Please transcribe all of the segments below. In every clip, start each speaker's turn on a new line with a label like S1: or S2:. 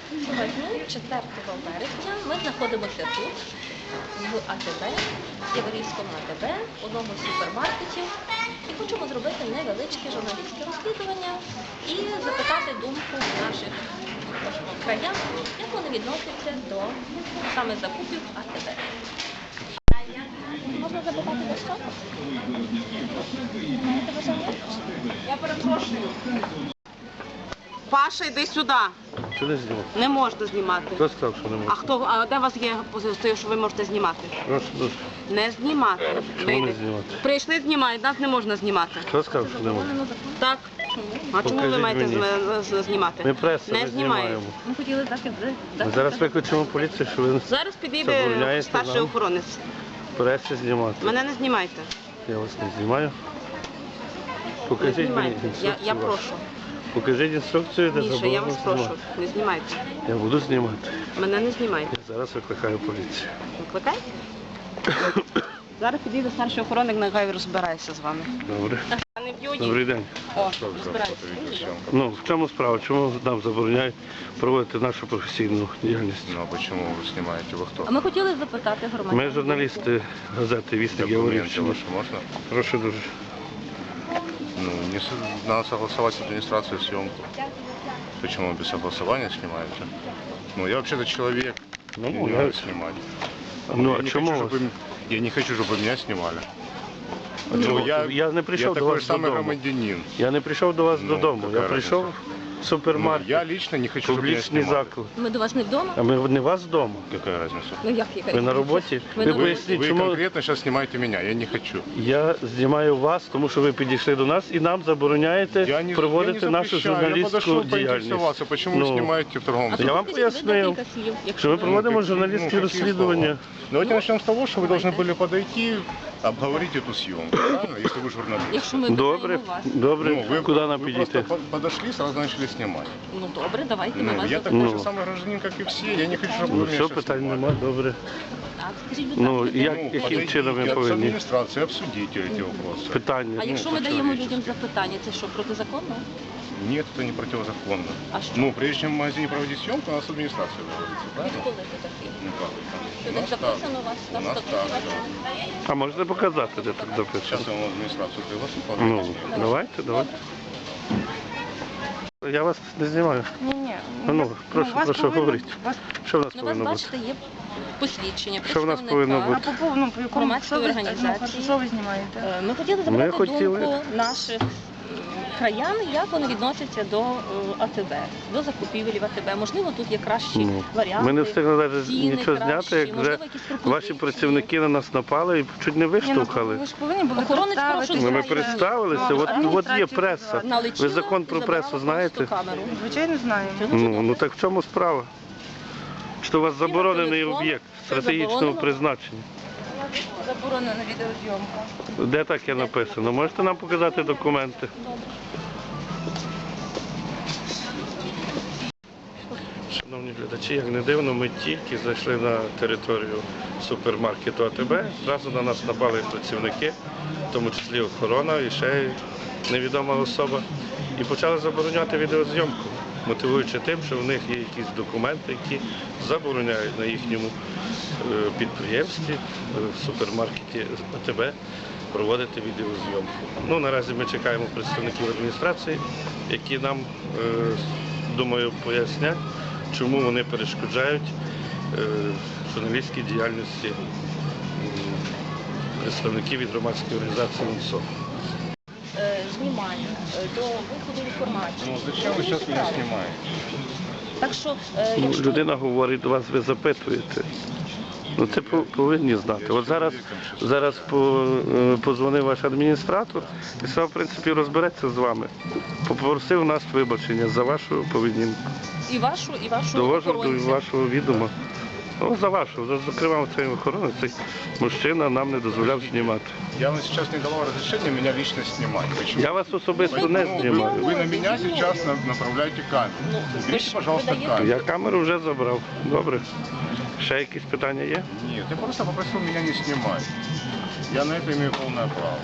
S1: Сьогодні, 4 вересня, ми знаходимося тут, в АТБ, Яворівському АТБ, одному з супермаркетів, і хочемо зробити невеличке журналістське розслідування і запитати думку наших краян, як вони відносяться до саме закупів АТБ. Можна запитати до що? Маєте бажання? Я перепрошую.
S2: Паша, йди сюди.
S3: Сюди знімати.
S2: Не можна знімати.
S3: Хто сказав, що не можна?
S2: А де у вас є позиція, що ви можете знімати?
S3: Прошу дуже.
S2: Не знімати.
S3: Чому не
S2: Вийди.
S3: знімати?
S2: Прийшли знімають, нас не можна знімати.
S3: Хто сказав, що не можна?
S2: Так. А чому ви
S3: Покажіть
S2: маєте
S3: мені.
S2: знімати?
S3: Ми преса,
S2: Не
S3: не
S2: знімаємо.
S3: знімаємо.
S1: Ми хотіли дати...
S3: Ми зараз викличемо поліцію, що ви
S2: Зараз підійде
S3: забороняєте
S2: старший
S3: нам
S2: охоронець.
S3: пресі знімати.
S2: Мене не знімайте.
S3: Я вас не знімаю.
S2: Не
S3: Покажіть мені
S2: знімайте.
S3: інструкцію.
S2: Я
S3: вашу.
S2: прошу.
S3: Покажіть інструкцію, де
S2: Міша, я
S3: заборонено
S2: вас прошу.
S3: знімати.
S2: Не знімайте.
S3: Я буду знімати.
S2: Мене не знімайте.
S3: Я зараз викликаю поліцію.
S2: Викликай? Зараз підійде старший охоронник, нехай розбирається з вами.
S3: Добре.
S2: А не б'ють.
S3: Добрий день.
S2: О, розбирається.
S3: Ну, в чому справа? Чому нам забороняють проводити нашу професійну діяльність?
S4: Ну а почему вы снимаете? Вы кто?
S1: А ми хотіли запитати громадян.
S3: Ми журналісти газети «Вісник
S4: Документы
S3: Яворівщини».
S4: ваши можно?
S3: Прошу дуже.
S4: Ну, надо согласовать с администрацией съемку. Почему без согласования снимаете? Ну, я вообще-то человек,
S3: Ну,
S4: мне не
S3: я-
S4: надо снимать.
S3: Ну,
S4: я
S3: а
S4: не
S3: чому
S4: хочу,
S3: вас?
S4: я не хочу, чтобы меня снимали.
S3: Ну, я не прийшов до
S4: такой
S3: вас
S4: самый
S3: додому.
S4: громадянин.
S3: Я не прийшов до вас
S4: Ну,
S3: додому. Я
S4: яка
S3: прийшов
S4: разниця?
S3: в
S4: Ну,
S3: супермаркет,
S4: я лично не хочу, чтобы меня
S3: публічний
S4: снимали.
S3: заклад.
S1: Ми до вас не вдома?
S3: А ми не вас вдома.
S4: Какая разница?
S1: Ну як яка?
S3: Ви на роботі?
S1: Ви
S3: Ви
S1: на
S3: поясніть,
S4: Вы
S3: чому
S4: конкретно сейчас снимаете меня, я не хочу.
S3: я знімаю вас, тому що ви підійшли до нас і нам забороняєте проводити
S4: я не
S3: нашу
S4: запрещаю, я
S3: журналістську
S4: подошел
S3: діяльність.
S4: поинтересоваться, почему вы
S3: Ну,
S4: снимаете в торговом
S3: Я вам
S1: Скажіть,
S3: пояснив,
S1: декілька слів, якщо
S3: що ми
S1: ви-
S3: проводимо
S4: какие-
S3: журналістські
S4: какие
S3: розслідування.
S4: слова? Давайте начнем с того, что вы должны были подойти, обговорить эту съемку, правильно, если вы журналист.
S1: Якщо ми
S3: Добре,
S1: питаємо вас.
S3: добре. Куди нам
S4: вы
S3: підійти?
S4: просто подошли, сразу начали снимать.
S1: Ну добре, давайте ми
S4: Ну,
S1: вас
S4: я
S1: запитаємо.
S4: такой же самый гражданин, как и все, я не хочу, чтобы вы
S3: Ну,
S4: меня
S3: все,
S4: сейчас
S3: питань
S4: снимали.
S3: нема, добре.
S1: Так, скажіть, будь
S3: Ну,
S1: ласка,
S3: як-
S4: Ну,
S3: яким
S4: подойдите
S3: чином ми
S4: с
S3: повинні?
S4: адміністрації, обсудите эти вопросы.
S3: Питання.
S1: а якщо ми даємо людям запитання, це що, протизаконно?
S4: Нет, это не противозаконно.
S1: А що?
S4: Ну, прежде чем в магазине проводить съемку, у нас с администрацией договориться, правильно?
S1: Відколи це таке?
S4: Ну как?
S1: Що
S4: У
S1: десь
S4: нас
S1: записано у вас
S4: У
S1: на
S4: нас
S1: статуті
S4: так,
S1: вашому?
S3: А можете показати, де тут записано?
S4: Сейчас я вам администрацию приглашу.
S3: Ну, давайте, давайте. Я вас не знімаю.
S5: Ні.
S3: Ну, прошу, говоріть. Що в нас
S1: Ну, у вас,
S3: повинно бути?
S1: бачите, є посвідчення,
S3: Що в нас
S1: представника.
S3: повинно
S5: А
S3: бути?
S5: по повному, по якому
S1: Громадської
S5: що ви-
S1: організації.
S5: Ну, що ви знімаєте?
S1: Ми хотіли запитати
S3: хотіли-
S1: думку наших краян, як вони відносяться до АТБ, до закупівель в АТБ. Можливо, тут є кращі
S3: Ну,
S1: варіанти.
S3: ми не встигли навіть
S1: ціни
S3: нічого
S1: кращі,
S3: зняти, як вже
S1: можливо, якісь пропозиції.
S3: ваші працівники на нас напали і чуть не
S5: Ні, ну,
S3: виштовхали.
S5: ви ж повинні були
S1: Охоронець
S5: представитися.
S1: прошу
S3: Ну, ми
S1: знає.
S3: представилися,
S5: Ну,
S3: от є
S5: адміністрацію
S3: преса.
S5: позвати.
S1: Налетіла
S3: Ви закон про
S1: і забрала
S3: пресу
S1: просто
S3: знаєте?
S1: камеру.
S5: Звичайно, знаємо.
S3: Ну так в чому справа? Що у вас заборонений
S1: телефон,
S3: об'єкт
S1: це
S3: стратегічного
S1: заборонено.
S3: призначення?
S5: Заборонена відеозйомка.
S3: Де таке написано? Можете нам показати документи? Шановні глядачі, як не дивно, ми тільки зайшли на територію супермаркету АТБ, зразу на нас напали працівники, в тому числі охорона і ще невідома особа, і почали забороняти відеозйомку, мотивуючи тим, що в них є якісь документи, які забороняють на їхньому підприємстві, в супермаркеті АТБ проводити відеозйомку. Ну, наразі ми чекаємо представників адміністрації, які нам, думаю, пояснять, чому вони перешкоджають журналістській діяльності представників від громадської організації УНСО.
S1: Знімання до виходу інформації.
S4: Ну, зачем вы сейчас меня снимаете?
S1: Так що,
S3: Ну,
S1: якщо...
S3: людина говорить до вас, ви запитуєте. Ну це повинні знати. От зараз позвонив ваш адміністратор і сказав, в принципі, розбереться з вами. Попросив нас вибачення за вашу поведінку.
S1: І вашу
S3: Довожу до
S1: охоронця.
S3: вашого відома. Ну, за вашу, зокрема, цей охоронець, цей мужчина нам не дозволяв знімати.
S4: Я вам сейчас не давал разрешения меня лично снимать. Почему?
S3: Я вас особисто не
S4: Ну,
S3: знімаю.
S4: Вы на меня сейчас направляете камеру.
S1: Ну, ви
S4: Берите,
S1: ж
S4: пожалуйста,
S1: видаєте-
S4: камеру.
S3: Я камеру вже забрав. Добре. Ще якісь питання є?
S4: Нет, я просто попросил меня не снимать. Я на это имею полное право.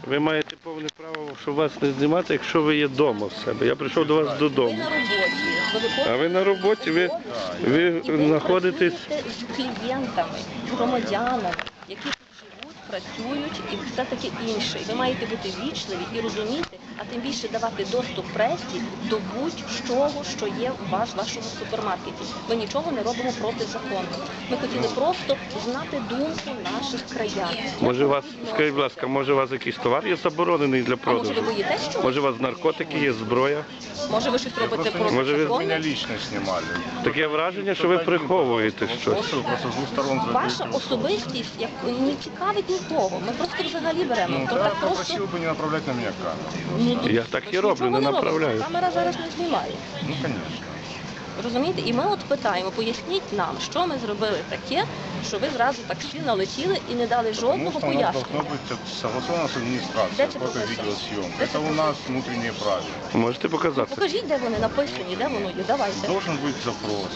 S3: Ви маєте повне право, щоб вас не знімати, якщо ви є вдома в себе. Я прийшов до вас
S1: Ви
S3: додому.
S1: на роботі.
S3: А ви на роботі, ви
S1: І ви
S3: знаходитесь.
S1: працюєте з клієнтами, з громадянами, які тут живуть, працюють і все таке інше. І ви маєте бути вічливі і розуміти, а тим більше давати доступ пресі до будь-чого, що є у вас в вашому супермаркеті. Ми нічого не робимо проти закону. Ми хотіли просто знати думку наших краян.
S3: Може у вас, скажіть, будь ласка, може у вас якийсь товар є заборонений для
S1: А може ви
S3: продажу?
S1: боїтесь чогось?
S3: Може у вас наркотики є, зброя?
S1: Може ви щось робите
S4: Просто
S1: проти
S3: Може, ви-
S1: закону?
S4: Меня лично снимали.
S3: Таке враження, що ви приховуєте щось.
S4: Просто вы просто с двух сторон
S1: Ваша
S4: задействовали.
S1: особистість як не цікавить нікого. Ми просто взагалі беремо.
S4: Ну,
S1: То
S4: да,
S1: так просто
S4: попросил бы не направлять на меня камеру.
S1: ну,
S3: Я так і роблю,
S1: нічого
S3: не
S1: робимо.
S3: направляю.
S1: Камера зараз не знімає.
S4: Ну, конечно.
S1: Розумієте? І ми от питаємо, поясніть нам, що ми зробили таке, що ви зразу так всі налетіли і не дали
S4: Потому
S1: жодного
S4: что у нас должно
S1: пояснення.
S4: быть согласовано с администрацией,
S1: Где
S4: фото-видеосъемка.
S1: Где
S4: Это у нас внутренние правила.
S3: Можете показати?
S1: Покажіть, де вони написані, де воно є. Давайте.
S4: Должен быть запрос.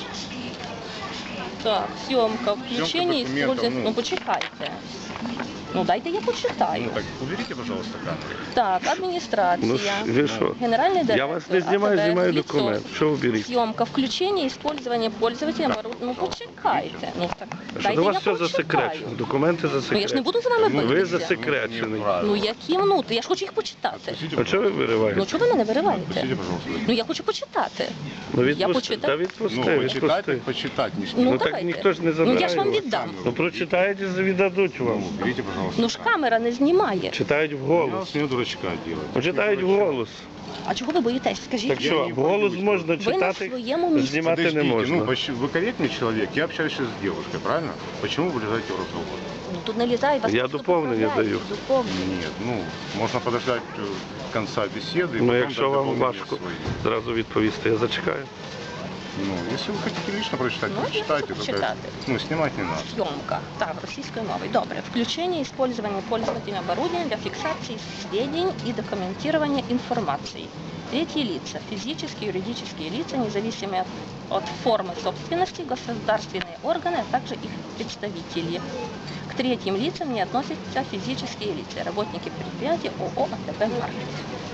S1: Так, зйомка, включення і
S4: документів,
S1: использование.
S4: ну.
S1: Ну почекайте. Ну дайте я почитаю.
S4: Ну так, уберите, пожалуйста, камеру.
S1: Так, адміністрація.
S3: Ну ви що?
S1: Генеральний директор.
S3: Я вас не знімаю,
S1: АТБ,
S3: знімаю
S1: лицо.
S3: документ. Що ви беріть?
S1: Съемка, включение, использование пользователем. Ну почекайте. Ну так
S3: Що
S1: дайте
S3: до
S1: я
S3: вас все
S1: почитаю.
S3: засекречено? Документи
S1: Ну я ж не
S3: засекречені.
S1: буду з вами
S3: Ви
S1: битися.
S3: засекречений.
S1: Ну які минути? Я ж хочу їх почитати.
S4: Отпустите,
S3: А чого ви вириваєте?
S1: Ну чого ви мене вириваєте?
S4: Отпустите, пожалуйста.
S1: Ну я хочу почитати.
S3: Ну
S1: Я
S3: відпусти,
S1: почитаю.
S3: та відпусти,
S4: Ну, почитать,
S3: відпусти.
S4: так почитать не
S1: Ну,
S4: снимать.
S3: Ну так
S1: давайте.
S3: ніхто ж не
S1: Ну
S3: забирає.
S1: я ж вам
S3: вас.
S1: віддам.
S3: Ну прочитаєте, віддадуть вам.
S4: Ну, уберите, пожалуйста.
S1: Ну ж камера не знімає.
S3: Читають
S4: Я
S3: вголос.
S4: вас не дурачка делать.
S3: Ну, читають вголос.
S1: А чого ви боїтесь? Скажіть.
S3: Так що,
S4: не
S3: вголос
S4: боюсь.
S3: можна
S1: Ви на
S3: читати,
S1: своєму місці.
S3: знімати не
S4: Подождите, ну,
S3: можна.
S4: вы корректный человек, я общаюсь сейчас с девушкой, правильно? Почему вы влезаете в разговор?
S1: Ну тут не лізає, вас
S3: Я
S1: просто
S3: доповнення
S1: поправляють,
S3: даю.
S1: доповнення.
S4: Нет, ну, можно подождать конца беседы. и
S3: Ну
S4: потом
S3: якщо
S4: дать
S3: вам
S4: дополнение
S3: важко
S4: свои.
S3: зразу відповісти, я зачекаю.
S4: Ну, если вы хотите лично прочитать,
S1: Можно
S4: прочитайте. Только,
S1: почитать.
S4: ну, снимать не надо.
S1: Съемка. Так, російською мовою. Добре. Включение и использование пользователем оборудования для фиксации сведений и документирования информации. Третьи лица. Физические, юридические лица, независимые от формы собственности, государственные органы, а также их представители. К третьим лицам не относятся физические лица, работники предприятия ООО «АТБ Маркет».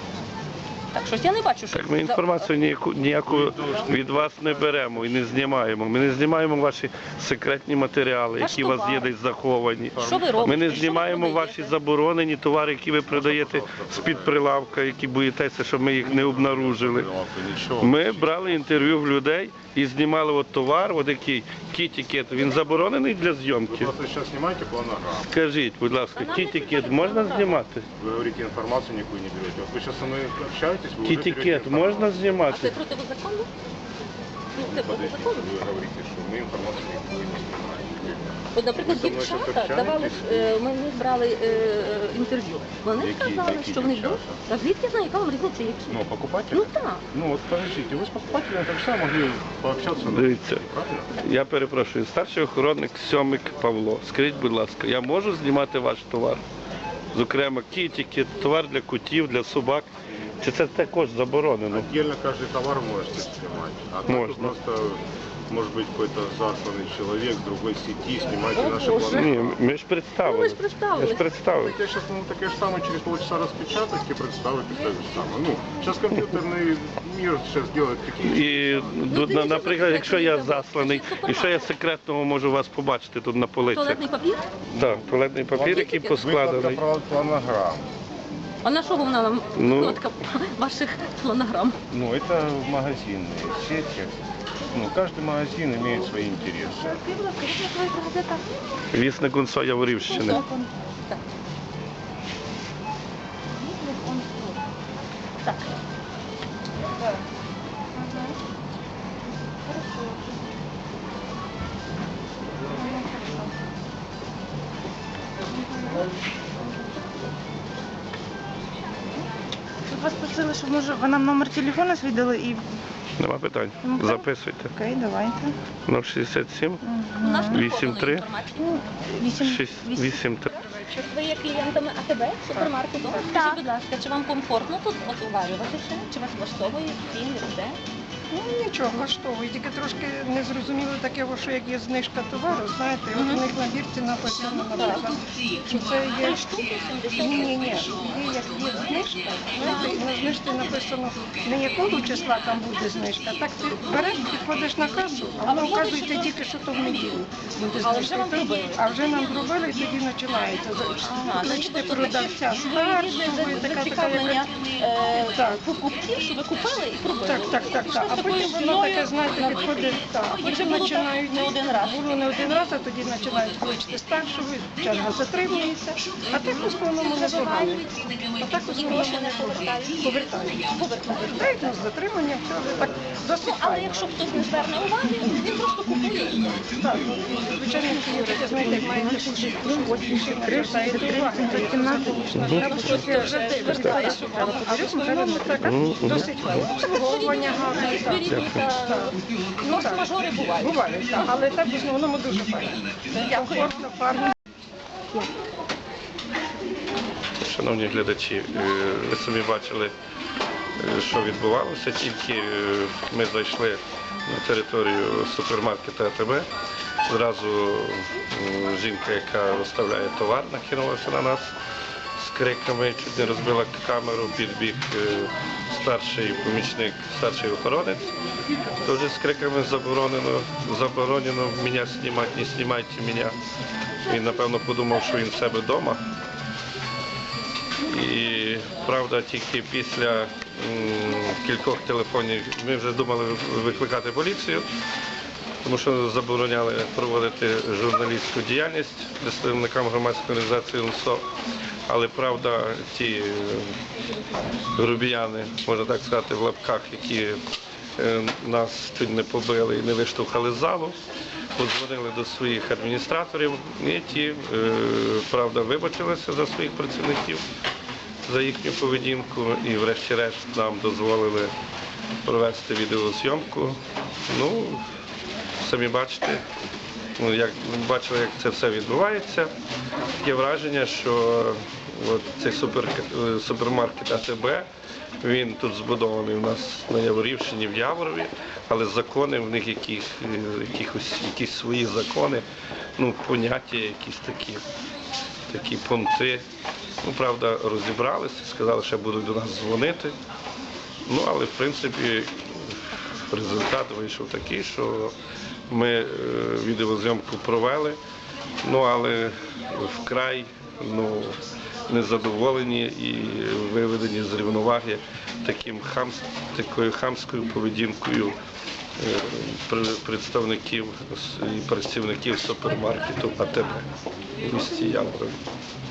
S1: Так, щось я не бачу, що...
S3: Так ми інформацію ніяку від вас не беремо і не знімаємо. Ми не знімаємо ваші секретні матеріали,
S1: Ваш
S3: які у вас є
S1: товар.
S3: десь заховані.
S1: Що ви робите?
S3: Ми не
S1: Що ви
S3: знімаємо
S1: продаєте?
S3: ваші заборонені товари, які ви продаєте з-під прилавка, які боїтеся, щоб ми їх не обнаружили.
S4: Ничего.
S3: Ми брали інтерв'ю в людей і знімали от товар, от який кітікет. Він заборонений для
S4: Вы
S3: зйомки.
S4: просто сейчас снимаете планограмму.
S3: Скажіть, будь ласка, кітікет можна знімати?
S4: Вы говорите, информацию никакую не берете. Вот вы сейчас со мной общаетесь, вы уже берете
S3: Кітікет можна
S4: информацию.
S1: А це
S3: знімати?
S1: протизаконно? Ну, це
S4: Подождите,
S1: протизаконно.
S4: вы говорите, что мы информацию никакую не снимаем.
S1: От, наприклад,
S4: Ви зі мною
S1: дівчата
S4: щось
S1: давали,
S4: общаєтесь?
S1: ми в них брали інтерв'ю. Вони
S4: Які-
S1: сказали,
S4: які
S1: що в них
S4: дівчата?
S1: А звідки я знаю, яка вам різниця, які?
S4: Ну, покупатель?
S1: Ну так.
S4: Ну вот подождите, вы с покупателем так само могли пообщаться. на
S3: Дивіться.
S4: правильно?
S3: Я перепрошую, старший охоронник Сьомик Павло. Скажіть, будь ласка, я можу знімати ваш товар? Зокрема, кітики, товар для котів, для собак. Чи це також заборонено?
S4: Отдельно каждый товар можете снимать. А так
S3: Можно.
S4: вы просто, может быть, какой-то засланный человек с другой сети, снимайте
S1: О,
S4: наши
S1: Боже.
S4: планы.
S3: Ні, ми ж
S1: Ну, ми ж
S3: представили.
S1: представили.
S3: Ми ж представили.
S4: Так я сейчас, ну, так я же самое через полчаса распечатать и представить и так же самое. Ну, сейчас компьютерный мир сейчас делает такие...
S3: І, наприклад, якщо я засланий, і що я секретного можу вас побачити тут на полицях?
S1: Туалетний папір?
S3: Так, туалетний папір, який поскладений.
S4: Выкладка планограмм.
S1: А на що вона нам
S3: Ну.
S1: викладка ваших планограм?
S4: Ну, это магазинные сети. Ну, каждый магазин имеет свои интересы.
S3: Вісник Гунсо Яворівщини.
S1: Так. Так.
S5: Тут вас просили, щоб може ви нам номер телефону свідали і...
S3: Нема питань.
S5: Ну, так.
S3: Записуйте.
S5: Окей, давайте.
S3: 067
S1: У нас не
S3: 8-3.
S1: подано інформацію.
S3: 83.
S1: Чи ви є клієнтами АТБ супермаркету? Скажіть, будь ласка, чи вам комфортно тут от уварюватися? Чи вас влаштовує стіль, все?
S6: Ну нічого, влаштовує, тільки трошки не зрозуміло таке, що як є знижка товару, знаєте, от у них на бірці написано, наприклад, що це є... Ні, є як є знижка, знаєте, і на знижці написано, не якого числа там буде знижка, так ти береш, підходиш на касу, а воно вказується тільки, що то в неділю буде
S1: Але вже
S6: знижка.
S1: вам зробили.
S6: А вже нам зробили, і тоді починається. Кличте продавця старшого, і така
S1: Зацікавлення
S6: Так.
S1: покупців, що ви купили і пробили.
S6: Так. А потім воно таке, знаєте, підходить, так.
S1: І вже
S6: Потім
S1: було
S6: починають,
S1: так не один раз.
S6: Було не один раз, а тоді починають кличте старшого, черга затримується. А так в основному не погано. А так в основному
S1: Гроші не
S6: не
S1: повертають.
S6: повертають. Повертають, ну, з затриманням, все, але так досить
S1: Ну, але
S6: файно.
S1: якщо хтось не зверне уваги, він просто купує.
S6: Так, ну, звичайно, це таке, знаєте, як має таку швидкість, звертаєте увагу.
S1: Звертаєш увагу.
S6: А в основному так, досить файно. Обслуговування гарне. так.
S1: Ну, мажори бувають.
S6: Буває, так, але так в основному дуже файно. Комфортно, фарно.
S3: Шановні глядачі, ви самі бачили, що відбувалося. Тільки ми зайшли на територію супермаркету АТБ. Зразу жінка, яка розставляє товар, накинулася на нас з криками, чуть не розбила камеру, підбіг старший помічник, старший охоронець. Теж з криками заборонено мене знімати, не знімайте мене. Він, напевно, подумав, що він в себе вдома. І, правда, тільки після кількох телефонів ми вже думали викликати поліцію, тому що забороняли проводити журналістську діяльність представникам громадської організації УНСО. Але, правда, ті грубіяни, можна так сказати, в лапках, які нас чуть не побили і не виштовхали з залу, подзвонили до своїх адміністраторів, і ті, правда, вибачилися за своїх працівників, за їхню поведінку, і врешті-решт нам дозволили провести відеозйомку. Ну, самі бачите, бачили, як це все відбувається. Таке враження, що от цей супермаркет АТБ, він тут збудований у нас на Яворівщині, в Яворові, але закони в них якісь свої закони, ну, поняття якісь такі пункти. Ну, правда, розібралися, сказали, що будуть до нас дзвонити. Ну, але, в принципі, результат вийшов такий, що ми відеозйомку провели, ну, але вкрай незадоволені і виведені з рівноваги такою хамською поведінкою представників і працівників супермаркету АТБ в місті Яворові.